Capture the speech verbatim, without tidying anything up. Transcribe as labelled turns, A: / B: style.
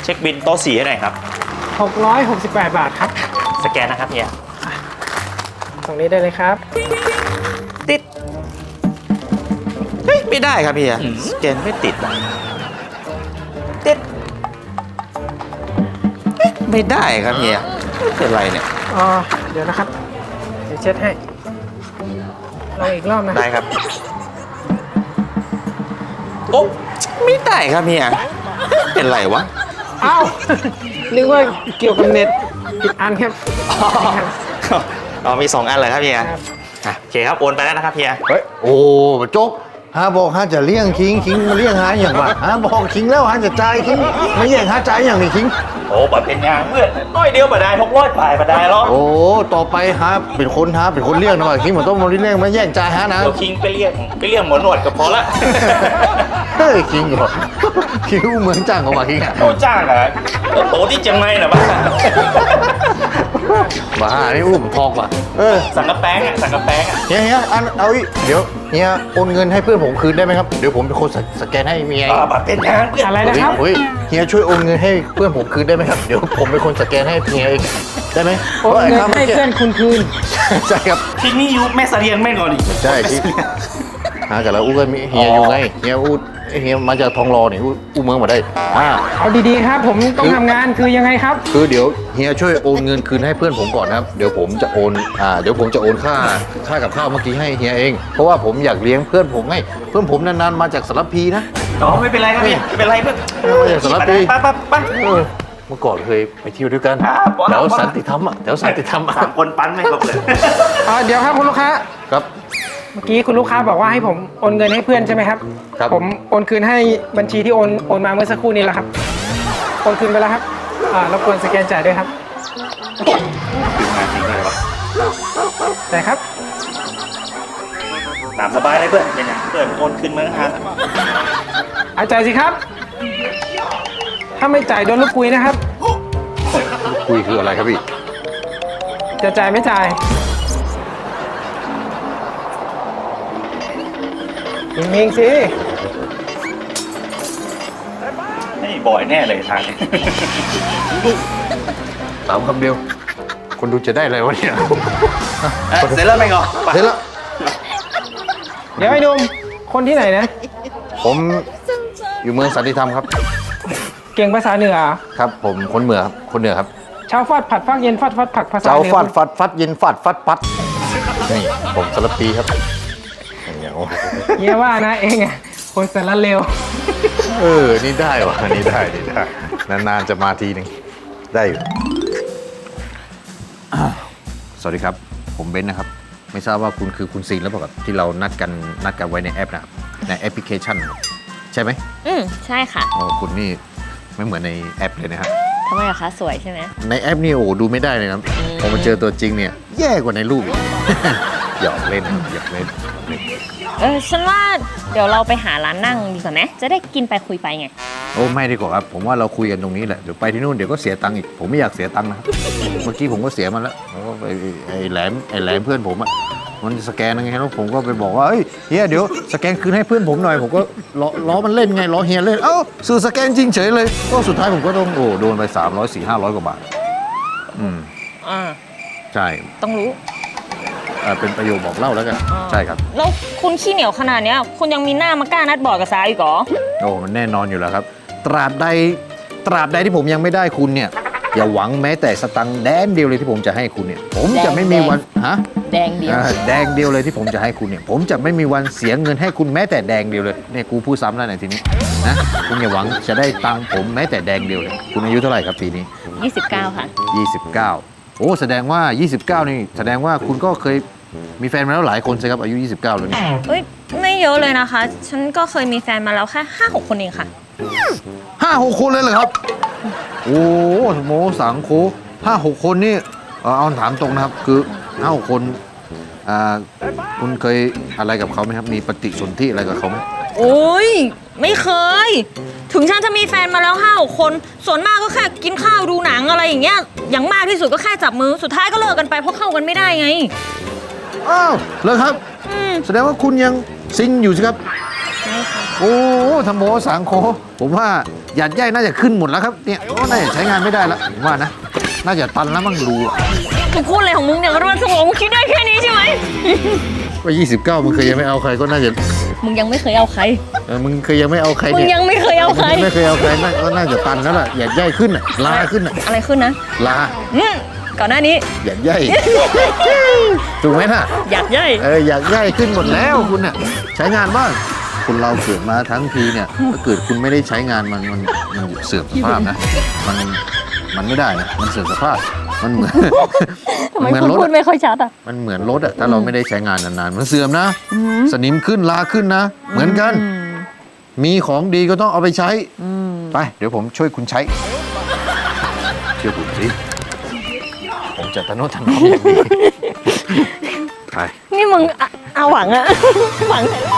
A: เช็คบินโต๊ะสี่ให้หน่อยครับ
B: หกร้อยหกสิบแปด บาทครับ
A: สแกนนะครับเฮีย
B: ตรงนี้ได้เลยครับ
A: ติดเฮ้ยไม่ได้ครับเฮียสแกนไม่ติดอ่ะติดเฮ้ยไม่ได้ครับเฮียไม่เป็นไรเนี่ย
B: อ๋อ เดี๋ยวนะครับ เดี๋ยวเช็ดให้ลองอีกรอบนะ
A: ได้ครับโอ้ไม่ได้ครับเฮียเป็นไรวะ
B: เอ้า นึกว่าเกี่ยวกับเน็ตผิดอันครับ
A: อ๋อมีสองอันเลยครับเฮีย
B: ครับ
A: อ่ะโอเคครับโอนไปแล้วนะครับเฮีย
C: เฮ้ยโอ้โจ๊กฮาบอกฮาจะเลี้ยงคิงคิงมาเลี้ยงหาอย่างวะฮาบอกคิงแล้วฮาจะจ่ายคิงมาแย่งหาจ่ายอย่างนี้คิง
A: โอ้ปเป็นยางเพื่อนน้อยเดียวมาได้หกร้อยปลายมาได้หรอก
C: โอ้ต่อไปฮาเป็นคนฮาเป็นคนเลี้ยงนะว่าคิงมันต้องมาเลี้ยงมาแย่งจ่ายฮานะ
A: เดี๋ยวคิงไปเรียกไปเรียกหมอหนวดก็พอละ
C: เฮ้ยคิงเหรอคิงเหมือนจ้างเขาว่าคิง
A: โอ้จ้างเหรอโตที่เชียงใหม่เหรอบ้า
C: บ้านี่อุ้มทอกว่ะเออ
A: สังกะแป้งอ่ะสังกะแป้งอ่ะ
C: เฮียเฮียอันเอาอีกเดี๋ยวเฮียโอนเงินให้เพื่อนผมคืนได้ไหมครับเดี๋ยวผมเป็นคนสแกนให้เมีย
A: อ่าบัตรเป็นยางเพื่อน
B: อะไรนะครับ
C: เฮ้ยเฮียช่วยโอนเงินให้เพื่อนผมคืนได้ไหมครับเดี๋ยวผมเป็นคนสแกนให้เฮียเองได้ไหม
B: โอนเงินให้เพื่อนคุณคืน
C: ใช่ครับ
A: ที่นี่อยู่แม่เสลียงแม่ก่อนดิ
C: ใช่ที่หากันแล้วอู้ก็มีเฮียอยู่ไงเฮียอู้เฮียมาจากทองรอนี่อู้อู้เมืองมาได้อ่า
B: เอาดีๆครับ ผมต้องทำงานคือยังไงครับ
C: คือเดี๋ยวเฮียช่วยโอนเงินคืนให้เพื่อนผมก่อนนะครับเดี๋ยวผมจะโอนอ่าเดี๋ยวผมจะโอนค่าค่ากับข้าวเมื่อกี้ให้เฮียเองเพราะว่าผมอยากเลี้ยงเพื่อนผมไงเพื่อนผมนานๆมาจากสารพีนะ
A: อ๋อไม่เป็นไรครับพี่ไม่เป็นไรเพื่อน
C: มาจากสารพี
A: ไปไปไป
C: เออเมื่อก่อนเคยไปเที่ยวด้วยกัน
A: อ่าปอ
C: แถ
A: ละ
C: ว
A: ปอละ
C: สันติธรรมอ่ะแถวสันติธรรมอ่ะ
A: สามคนปั้นไม่ครบเลย
B: อ่าเดี๋ยวครับคุณลูกค้า
C: ครับ
B: เมื่อกี้คุณลูกค้าบอกว่าให้ผมโอนเงินให้เพื่อนใช่ไหมครับ
C: ครับ
B: ผมโอนคืนให้บัญชีที่โอนโอนมาเมื่อสักครู่นี้แหละครับ โอนคืนไปแล้วครับ อ่ารบกวนสแกนจ่ายด้วยครับ
A: ถึงงานจริงเลยวะ
B: ได้ครับ
A: ตามสบายเลยเพื่อนเป็นไงเพื่อนโอนขึ้นมาฮะ
B: เอาจ่ายสิครับ ถ้าไม่จ่ายโดนลูกคุยนะครับ
C: คุยคืออะไรครับพี่
B: จะจ่ายไม่จ่ายมิงๆสิ
A: นี่บ่อยแน่เลยทางนี้
C: สามคำเดียว คนดูจะได้อะไรวะเนี่ย
A: เอ๊ะเสร็จแล้วไหมก่อนไป
C: เสร็จแล้ว
B: เดี๋ยวไอ้หนุ่มคนที่ไหนนะ
C: ผมอยู่เมืองสันติธรรมครับ
B: เก่งภาษาเหนือเหรอ
C: ครับ ผมคนเหนือครับคนเหนือครับ
B: เช้าฟาดผัดฟักเย็นฟาดฟัดผักภาษา
C: เจ้า
B: เหนือ
C: ฟาดฟัดฟัดเย็นฟาดฟัดปัดนี่ผมสารปีครับอย่างเงี้ยโอ้
B: เยี่ยว่านะเองอ่ะคนสารเลว
C: เออ นี่ได้วะนี่ได้นี่ได้ นานๆจะมาทีหนึ่งได้อยู่อ่าสวัสดีครับ ผมเบนซ์นะครับ ไม่ทราบว่าคุณคือคุณซีนแล้วเปล่าครับที่เรานัดกันนัดกันไว้ในแอปนะครับในแอปพลิเคชันนะครับใช่ไหม
D: อืมใช่ค่ะ
C: อ๋อคุณนี่ไม่เหมือนในแอปเลยนะครับ
D: ทำไมอะคะสวยใช่ไหม
C: ในแอปนี่โอ้โหดูไม่ได้เลยนะครับพอมาเจอตัวจริงเนี่ยแย่กว่าในรูปอีก หยอกเล่นหยอกเล่นหยอกเล่น
D: เออฉันว่าเดี๋ยวเราไปหาร้านนั่งดีกว่าไหมจะได้กินไปคุยไปไง
C: โอ้ไม่ดีกว่าครับผมว่าเราคุยกันตรงนี้แหละเดี๋ยวไปที่นู่นเดี๋ยวก็เสียตังค์อีกผมไม่อยากเสียตังค์นะครับ เมื่อกี้ผมก็เสียมันแล้วแล้วก็ไปไอ้แหลมไอ้แหลมเพื่อนผมอะมันสแกนยังไงแล้วผมก็ไปบอกว่าเฮ้ยเฮียเดี๋ยวสแกนคืนให้เพื่อนผมหน่อยผมก็ล้อล้อมันเล่นไงล้อเฮียเล่นเอ้าสื่อสแกนจริงเฉยเลยก็สุดท้ายผมก็ต้องโอ้โดนไปสามร้อยสี่ห้าร้อยกว่าบาทอืม
D: อ่า
C: ใช่
D: ต้องรู้
C: เอ่อเป็นประโยคบอกเล่าแล้วกัน
D: อ่า
C: ใช่ครับ
D: แล้วคุณขี้เหนียวขนาดเนี้ยคุณยังมีหน้ามากล้านัดบอร์ดกับสาวอีกเหรอ
C: โอ้มันแน่นอนอยู่แล้วครับ ตราบใดตราบใดที่ผมยังไม่ได้คุณเนี่ย อย่าหวังแม้แต่สตังค์แดงเดียวเลยที่ผมจะให้คุณเนี่ย ผมจะไม่มีวันฮะ
D: แดงเดียว
C: อ่าแดงเดียวเลยที่ผมจะให้คุณเนี่ย ผมจะไม่มีวันเสียเงินให้คุณแม้แต่แดงเดียวเลยเนี่ยกูพูดซ้ำแล้วในทีนี้นะคุณอย่าหวังจะได้ตังค์ผมแม้แต่แดงเดียวเลยคุณอายุเท่าไหร่ครับปีนี้
D: ยี่สิบเก้าค่ะ
C: ยี่สิบเก้าโอ้แสดงว่ายี่สิบเก้านี่แสดงว่าคุณก็เคยมีแฟนมาแล้วหลายคนใช่ครับอายุยี่สิบเก้าแล้วนี่
D: เอ้ยไม่เยอะเลยนะคะ ฉันก็เคยมีแฟนมาแล้วแค่ห้าหกคนเองค่ะ
C: ห้าหกคนเลยเหรอครับ โอ้โมสังโคห้าหกคนนี่เอ่อเอาถามตรงนะครับ คือห้าหกคนอ่าคุณเคยอะไรกับเขาไหมครับ มีปฏิสนธิอะไรกับเขาไหม
D: โอ้ยไม่เคย ถึงฉันจะมีแฟนมาแล้วห้าหกคน ส่วนมากก็แค่กินข้าวดูหนังอะไรอย่างเงี้ย อย่างมากที่สุดก็แค่จับมือ สุดท้ายก็เลิกกันไปเพราะเข้ากันไม่ได้ไง
C: อ้าวเลยครับ
D: อืม
C: แสดงว่าคุณยังซิงอยู่ใช่ครับ
D: ยช่ค่ะ
C: โอ้ธรรมโมสังโฆผมว่าหยัดใยน่าจะขึ้นหมดแล้วครับเนี่ยก็น่าจะใช้งานไม่ได้แล้วผมว่านะน่าจะตันแล้วมั้งรูอะ
D: มึงพูดอะไรของมึงเนี่ยรวนสมองมึงคิดได้แค่นี้ใช่ไหม
C: ว่ายี่สิบเก้ามึงเคยยังไม่เอาใครก็น่าจะ
D: มึงยังไม่เคยเอาใคร
C: เออมึงเคยยังไม่เอาใคร
D: มึง
C: เนี่ย
D: ยังไม่เคยเอาใคร
C: มึงไม่เคยเอาใครน่าก็น่าจะตันแล้วล่ะหยัดใยขึ้นอ่ะลาขึ้นอ่ะ
D: อะไรขึ้นนะ
C: ลา
D: อืมก่อนหน้านี้
C: หยัดใยถูกไหมน่ะ
D: อยากย่อย
C: เออหยัดใยขึ้นหมดแล้วคุณเนี่ยใช้งานบ้างคนเราเกิดมาทั้งทีเนี่ยถ้าเกิดคุณไม่ได้ใช้งานมันมันมันเสื่อมสภาพนะมันมันไม่ได้นะมันเสื่อมสภาพมันเหมือน
D: ทำไม
C: เหมือน
D: คุณ
C: รถ
D: พูด
C: อะ
D: ไม่ค่อยชัดอ่ะ
C: มันเหมือนรถอะถ้าเราไม่ได้ใช้งานนานๆมันเสื่อมนะ สนิมขึ้นลาขึ้นนะ เหมือนกัน มีของดีก็ต้องเอาไปใช้ไปเดี๋ยวผมช่วยคุณใช้เชื่อผมสิผมจะทะนุถนอมอย่างดีไป
D: นี่มึงอะเอาหวังอะ หวัง